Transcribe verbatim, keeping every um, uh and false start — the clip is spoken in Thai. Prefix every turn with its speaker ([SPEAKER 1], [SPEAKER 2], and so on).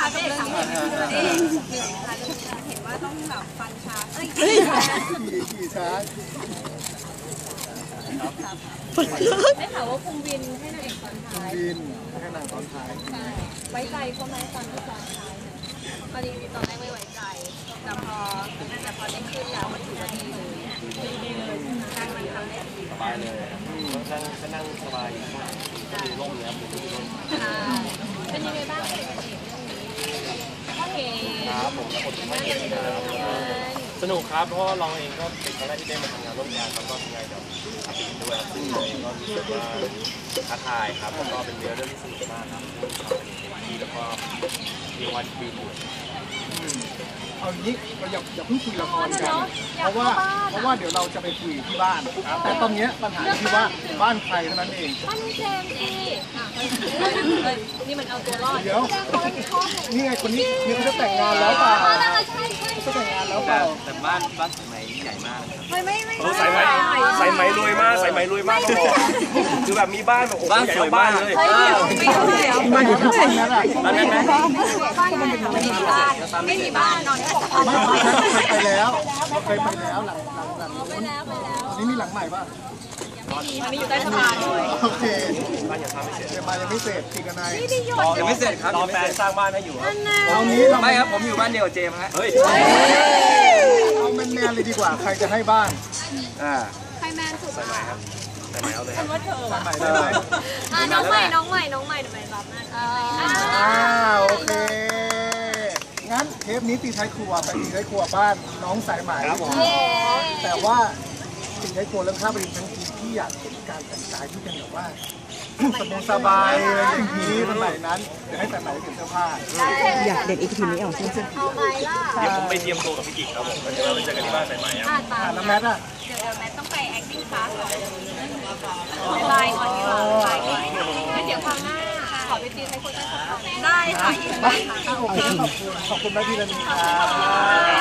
[SPEAKER 1] กับเรื่องนี้นี่เหนื่อยค่ะเห็นว่าต้องแบบฟันช้าเอ้ย
[SPEAKER 2] ขี่ช้า
[SPEAKER 1] ได้ข่าวว่าคุมวินให้นางเอกตอนท้าย
[SPEAKER 2] วินให้นางตอนท้าย
[SPEAKER 1] ใช่ไว้ใจเขาไหมตอนที่ตอนท้ายตอนนี้ตอนแรกไม่ไว้ใจแต่พอแต่พอได้ขึ้นแล้วมันถือว่าดีเลยดีเลยนางมันทำได้ดี
[SPEAKER 3] สบายเลยนั่งก็นั่งสบายอยู่ก็ดูร่มแล้วดูร่ม
[SPEAKER 1] เป็นยังไงบ้างเป็นเอกเรื่องนี้โอเค
[SPEAKER 3] ครับผมและคนที่ไม่เห็นนะครับสนุกครับเพราะว่าเราเองก็เป็นครั้งแรกที่ได้มาทำงานร่วมกันแล้วก็ทำงานกับอาปิด้วยซึ่งเราเองก็รู้สึกว่าท้าทายครับแล้วก็เป็นเรื่องที่สนุกมากครับที่แล้วก็มีวันดีอยู่
[SPEAKER 2] เอางี้เราอย่าอย่าเพิ่งคุยละครกันเพราะว่าเพราะว่าเดี๋ยวเราจะไปคุยที่บ้านแต่ตอนนี้ปัญหาคือว่าบ้านใครเท่านั้นเอง
[SPEAKER 1] บ้านเจมส์สินี่มันเอาตัวรอด
[SPEAKER 2] เดี๋ยวนี่ไงคนนี้นี่เขาจะแต่งงานแล้วเปล่าเขาจะแต่งงานแล้วเปล่า
[SPEAKER 3] แต่บ้านบ้านสมัยใหญ่มาก
[SPEAKER 1] ไม่ไม่ไม่
[SPEAKER 3] ใส่ไหมใส่ไหมรวยมากใส่ไหมรวยมากก็บอกคือแบบมีบ้านแบบบ้านสวยบ้านเลย
[SPEAKER 2] บ้านอยู่ที่ไหนนั่นแหละ
[SPEAKER 3] บ้านนั้นไหม
[SPEAKER 1] บ้านไม่มีบ้านไม่มีบ้านนอน
[SPEAKER 2] ไม่ไปแล้วเคยไปแล้วหลังหลังหลัง
[SPEAKER 1] ไปแล้วไปแล้ว
[SPEAKER 2] นี่มีหลังใหม่ป่ะ
[SPEAKER 1] มันมีอยู่ใต้สะพานเลย
[SPEAKER 2] โอเค
[SPEAKER 3] บ้านยังทำไม่เสร็จ
[SPEAKER 2] บ้านยังไม่เสร็จจริงกันนาย
[SPEAKER 3] ยังไม่เสร็จครับรอแฟนสร้างบ้านให้อยู่
[SPEAKER 2] เอางี้
[SPEAKER 3] ไม่ครับผมอยู่บ้านเดียวกับเจมส์ฮะเฮ้ย
[SPEAKER 2] เอาแมนแมนเลยดีกว่าใครจะให้บ้าน
[SPEAKER 3] อ่า
[SPEAKER 1] ใครแมนสุด
[SPEAKER 3] ใส่ไหมครับใส่ไหมเอาเลยครับ
[SPEAKER 1] ว่าเธอ
[SPEAKER 2] ใส่ไหมได้
[SPEAKER 1] น้องใหม่น้องใหม่น้องใหม่ทำไมรับนั่น
[SPEAKER 2] อ่าโอเคงั้นเทปนี้ตีท้ายครัวไปตีท้ายครัวบ้านน้องสายไหมแต่ว่าตีท้ายครัวเรื่องข้าวปลาดิบทั้งทีที่อยากเห็นการแต่งกายที่เป็นแบบว่าสบายสบายอะไรอย่างนี้สมัยนั้นเดี๋ยวให้แต่ไหนเปลี่ยนเสื้อผ้า
[SPEAKER 4] อยากเด็กอีกทีนี้ออกจริงๆ
[SPEAKER 1] เอาไปล่ะ
[SPEAKER 3] เดี๋ยวผมไปเตรียมตัวกับพี่กิ๊กครับผมแล้วเดี๋ยวเราไปเจอกันที่บ้านสายไหมครับ
[SPEAKER 2] แล้วแมทอ่ะ
[SPEAKER 1] เดี๋ยวแมทต้องไป acting class ก่อนบายก่อนดีกว่าบายก่อนงั้นเดี๋ยวคราวหน้าขอไปตีให้คนได้ค่ะได้ค่ะ
[SPEAKER 2] โอเคขอบคุณขอบคุณแม่พี่ละนีค่ะ